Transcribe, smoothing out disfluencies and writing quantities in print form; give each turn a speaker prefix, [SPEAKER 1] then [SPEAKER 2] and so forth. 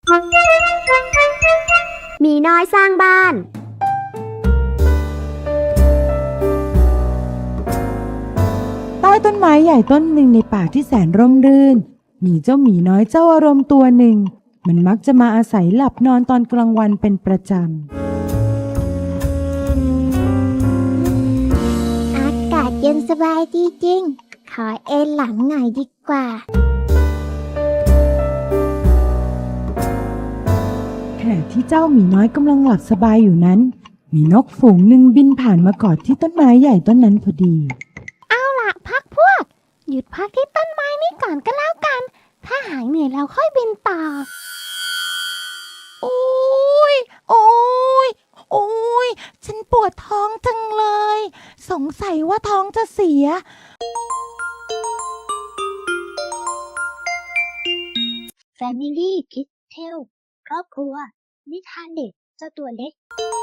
[SPEAKER 1] หมีน้อยสร้างบ้าน
[SPEAKER 2] ใต้ต้นไม้ใหญ่ต้นหนึ่งในป่าที่แสนร่มรื่นมีเจ้าหมีน้อยเจ้าอารมณ์ตัวหนึ่งมันมักจะมาอาศัยหลับนอนตอนกลางวันเป็นประจ
[SPEAKER 3] อากาศเย็นสบายดีจริง ขอเอนหลังหน่อยดีกว่า
[SPEAKER 2] ำขณะที่เจ้าหมีน้อยกำลังหลับสบายอยู่นั้นมีนกฝูงหนึ่งบินผ่านมากอดที่ต้นไม้ใหญ่ต้นนั้นพอดี
[SPEAKER 3] พักพวก หยุดพักที่ต้นไม้นี่ก่อนก็แล้วกัน ถ้าหายเหนื่อยเราค่อยบินต่อ
[SPEAKER 4] โอ้ยโอ้ยโอ้ยฉันปวดท้องจังเลย สงสัยว่าท้องจะเสีย
[SPEAKER 3] Family Kids Tale ครอบครัวนิทานเด็กเจ้าตัวเล็ก